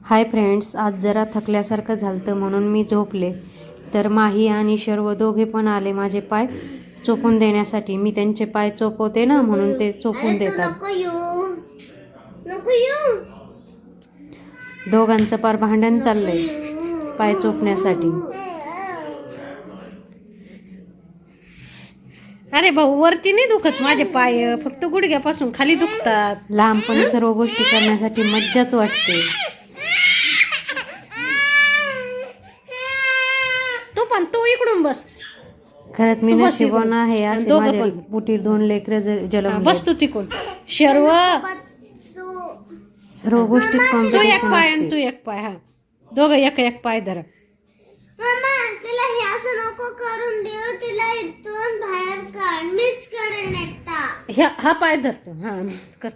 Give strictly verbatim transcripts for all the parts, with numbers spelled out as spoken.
Hi friends, आज जरा थकल्यासारखं झालं म्हणून मी झोपले. तर माही आणि शर्व दोघे पण आले माझे पाय चोपून देण्यासाठी. मी त्यांचे पाय चोपवते ना, म्हणून ते चोपून देतात. दोघांचं पार भांडण चाललंय पाय चोपण्यासाठी. अरे भाऊ, वरती नाही दुखत माझे पाय, फक्त गुडघ्यापासून खाली दुखतात. लहानपणी सर्व गोष्टी करण्यासाठी मज्जाच वाटते. तू पण तू इकडून बस. खरंच मी नशिबवान आहे, असे माझ्या पोटी दोन लेकरं जन्मले. बस तू तिकडून. शर्व सर्व गोष्टी तू एक पाय आणि तू एक पाय. हा, दोघं एक एक पाय धरा. तिला हे असं नको करून देऊ, तिला इथून बाहेर काढ, मीच करेन एकटा. हा पाय धरतो. हा कर.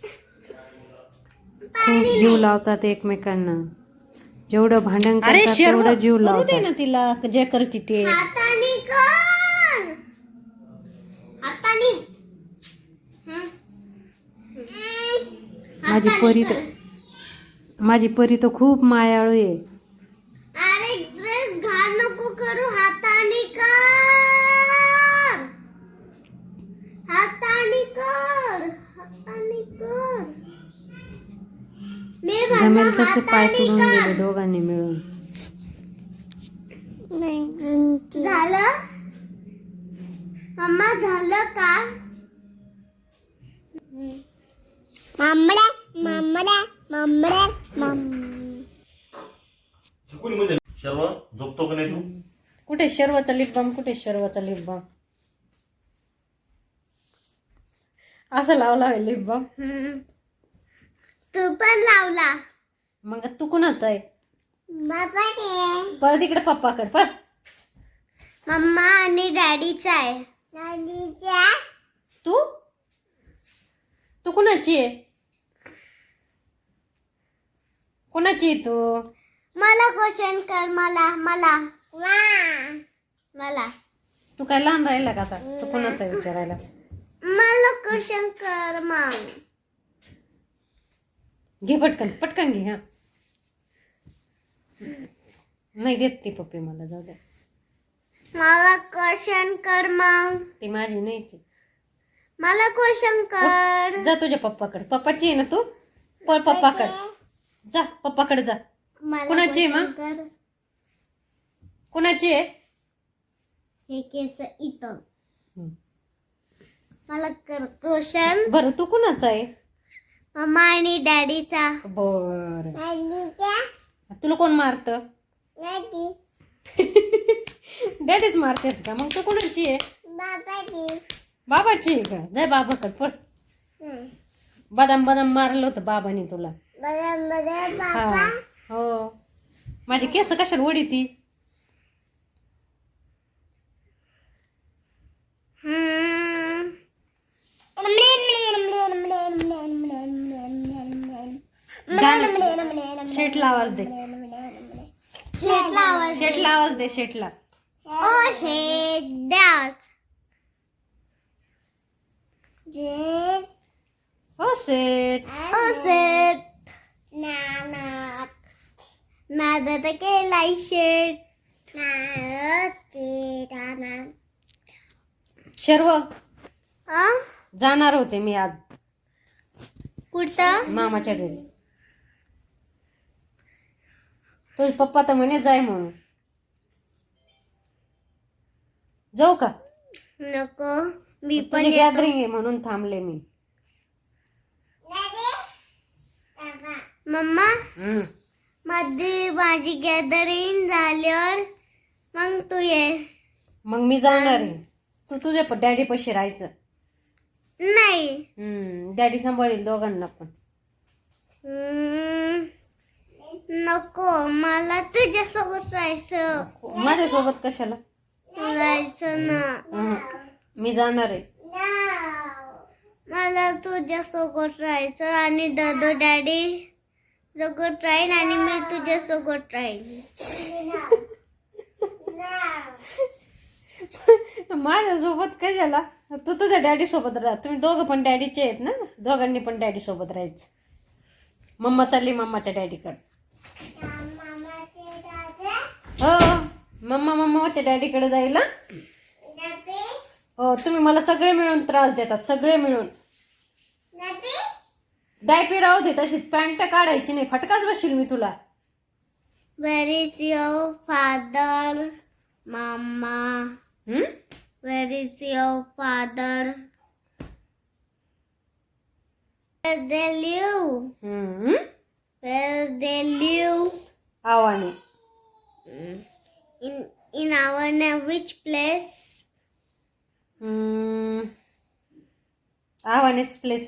खूप जीव लावतात एकमेकांना. जेवढं भांडण करतात तेवढं जीव लावतात. ना तिला जे करते ते. हाताने कर, हाताने. माझी परी तर माझी परी तर खूप मायाळू आहे. अरे ड्रेस घाल नको करू, हाताने कर, हाताने कर, हाताने कर. मी जमेल तसे पाय तुडून गेले दोघांनी मिळून. झालं मम्मा, झालं का? मम्मा मम्मा मम्मा शर्व झोपतो का नाही तू? कुठे शर्वाचा लिप बाम? कुठे शर्वाचा लिप बाम? असं लावला आहे लिप बाम. तू पण लावला. मग तू कुणाचा आहे? बाबा पळ तिकडे पप्पाकडे पळ. मम्मा आणि डॅडीचा आहे. डॅडीचा. तू तू कुणाची आहे? कुणाची आहे तू? मला क्वेश्चन कर. मला मला मला तू काय लहान राहिला का आता? तू कुणाचा आहे विचारायला? मला क्वेश्चन कर मग. घे पटकन पटकन घे. हा, नाही देत ती पप्पी मला, जाऊ दे. मला क्वेश्चन कर मग. ती माझी नाही. मला क्वेश्चन कर. जा तुझ्या पप्पाकडे. पप्पाची आहे ना तू? पळ पप्पाकडे जा. पप्पाकडे जा. कुणाची आहे मग? कुणाची आहे? हे केस इथं. मला कर क्वेश्चन. बरं तू कुणाचा आहे? मम्मा आणि डॅडीचा. बर. डॅडीचा. तुला कोण मारत? डॅडी. डॅडीच मारतेस का? मग तू कुणाची आहे? बाबाची. बाबाची आहे का? जाय बाबाकडे पळ. बदाम बदाम मारलं होतं बाबाने तुला. बदाम बदाम हा बाबा. हो. माझी केस कशाला वडी ती? शेटला आवाज दे. शेटला आवाज. शेटला आवाज दे. शेटला. ओ शेट द्यास. जेट. हो शेट. ओ शेट. नाना. नादा केलाय शेट. शर्व आ? जाणार होते मी आज कुठं? मामाच्या घरी. तुझे पप्पा तर म्हणे जाय म्हणून. जाऊ का? नको, मी पण तुझी गॅदरिंग आहे म्हणून थांबले मी. मम्मा, हम्म. मध्ये माझी गॅदरिंग झाल्यावर मग तू ये. मग मी जाणार आहे. तू तुझ्या डॅडी पाशी राहायचं. नाही. हम्म. डॅडी सांभाळील दोघांना पण. हम्म, नको, मला तुझ्यासोबत राहायचं. माझ्यासोबत कशाला राहायचं ना. हम्म. मी जाणार आहे. मला तुझ्यासोबत राहायचं आणि दादू डॅडी सोबत राहीन आणि मी तुझ्यासोबत राहीन. माझ्यासोबत कशाला? तू तुझ्या डॅडी सोबत राहा. तुम्ही दोघं पण डॅडीचे आहेत ना, दोघांनी पण डॅडी सोबत राहायचं. मम्मा चालली मम्माच्या डॅडीकडे. मामाचे दादा हो मम्मा मम्माच्या डॅडीकडे जाईल हं? डबे हो तुम्ही मला सगळे मिळून त्रास देतात सगळे मिळून. डबे डायपी राहू दे तशीच पॅन्ट काढायची नाही फटकाच बसशील मी तुला. Where is your father, Mama? हम्म Where is your father? Where they live? हम्म Where they live? आवाने In in our name, which place? हम्म आवानेच प्लेस.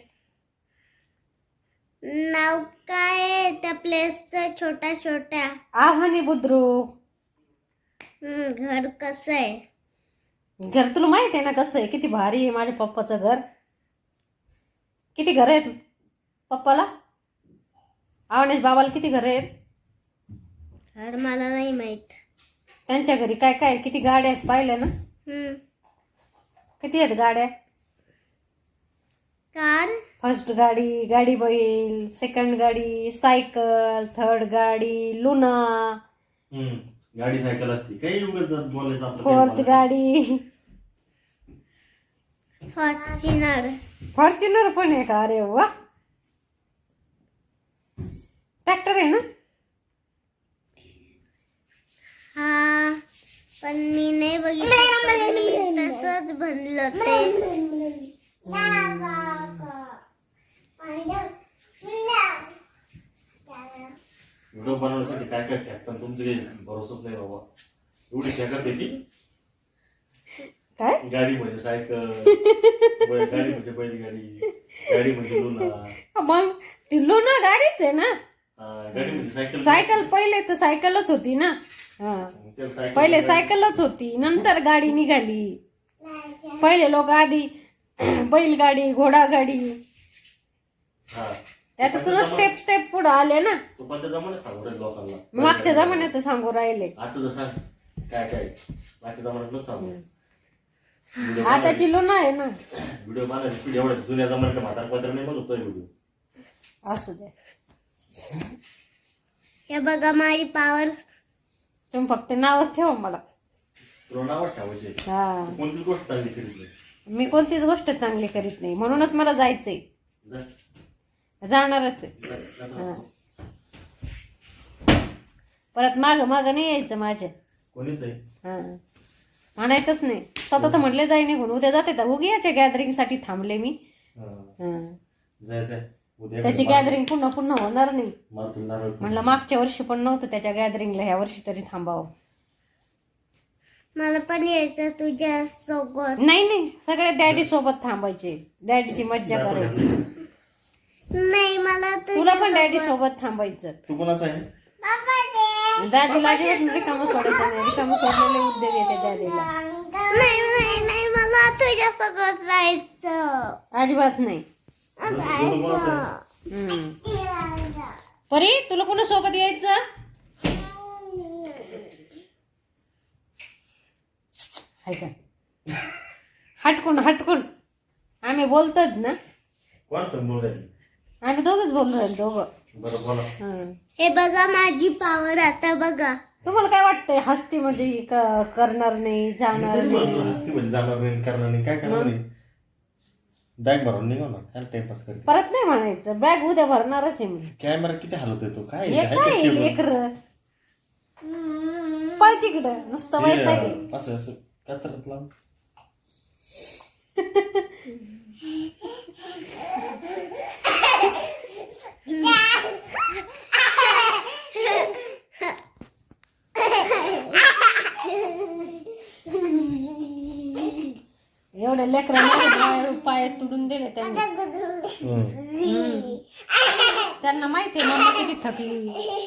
नाव काय आहे त्या प्लेसचं छोट्या छोट्या? आव्हाने बुद्रुक. हम्म, घर कसं आहे? घर तुला माहित आहे ना कसं आहे किती भारी आहे माझ्या पप्पाचं घर. किती घर आहेत पप्पाला आवनेश बाबाला किती घर आहेत? घर मला नाही माहित. त्यांच्या घरी काय काय किती गाड्या आहेत पाहिल्या ना? हम्म, किती आहेत गाड्या? कार, फर्स्ट गाडी गाडी बैल सेकंड गाडी सायकल थर्ड गाडी लुना हम्म. गाडी सायकल असती काही उगाच बोलायचं आपलं काही फोर्थ बोलायचं. गाडी फॉर्च्युनर. फॉर्च्युनर पण आहे का? अरे वा ट्रॅक्टर आहे ना? हा पण मी नाही बघितलं मी तसंच बनलं ते. व्हिडिओ बनवण्यासाठी काय काय टाकतात तुमचं काही भरोसाच नाही बाबा. एवढी शॅकत येते काय गाडी म्हणजे सायकल बैल गाडी म्हणजे बैलगाडी गाडी म्हणजे लुना मग ती लुना गाडीच आहे ना. हा, गाडी म्हणजे सायकल सायकल पहिले तर सायकलच होती ना. हा त्या सायकल पहिले सायकलच होती नंतर गाडी निघाली. पहिले लोक आधी बैलगाडी घोडागाडी हा आता तुला स्टेप स्टेप पुढे आले ना. तो पण त्या जमान्यात सांगू राहील लोकांना. मागच्या जमान्याचं सांगू राहिले. आता जसा काय काय मागच्या जमान्यात नको सांगू. व्हिडिओ आताची लुना आहे ना. व्हिडिओ बनायची पिढी एवढ्या जुन्या जमान्यातल्या म्हातारपत्र नाही बघतोय व्हिडिओ. असू दे हे बघा माझी पावर. तुम्ही फक्त नावच ठेवा मला. तुला नावच ठेवायचे. हा कोणतीच गोष्ट चांगली करीत नाही. मी कोणतीच गोष्ट चांगली करीत नाही म्हणूनच मला जायचंय. जा. जाणारच आहे. जा, जा, जा. हा. परत माग माग नाही यायचं माझ्या. कोणीच नाही. हा म्हणायचंच नाही. स्वतः तर म्हटले जाई निघून उद्या जाते तर उगी याच्या गॅदरिंग साठी थांबले मी. हा. हा. जाय जाय उद्या त्याची गॅदरिंग पुन्हा पुन्हा होणार नाही. मार तुला नारळ म्हणलं मागच्या वर्षी पण नव्हतं त्याच्या गॅदरिंगला ह्या वर्षी तरी थांबावं. मला पण यायचं तुझ्या सोबत. नाही नाही सगळे डॅडी सोबत थांबायचे. डॅडीची मज्जा करायची. नाही मला तुला पण डॅडी सोबत थांबायचं. तू कोणाचा आहे? दादीला अजिबात रिकामं सोडायचं नाही. रिकामं सोडलेले उद्योग येते दादीला. नाही नाही नाही मला तुझ्या सोबत राहायचं. अजिबात नाही. तू- तू कोणाचा आहे? हम्म. परी तुला कोणा सोबत यायचं? हाय का हटकून हटकून आम्ही बोलतोच ना. कोण समोर राहिली? आम्ही दोघच बोलू राहील दोघं. बरं बोला. हं. हे बघा माझी पावर आता बघा. तुम्हाला काय वाटतंय हस्ती म्हणजे ही क- करणार नाही मी जाणार तरी म्हणतो, नाही हसती म्हणजे जाणार नाही करणार नाही काय करणार नाही. बॅग भरून निघा ना काय टाइमपास करते. परत नाही म्हणायचं. बॅग उद्या भरणारच आहे मी. कॅमेरा किती हलवतोय तो काय हे आहे काय का table? लेकर पळ तिकडं नुसतं माहित हे, नाही. असं असं कात्रत लावून एवढ्या लेकरांना पाय तुडून दिले त्यांनी. हम्म. त्यांना माहिती आहे मम्मा किती थकली.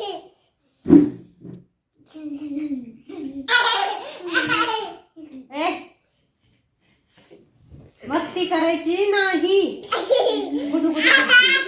ए मस्ती करायची नाही. गुदू गुदू करते.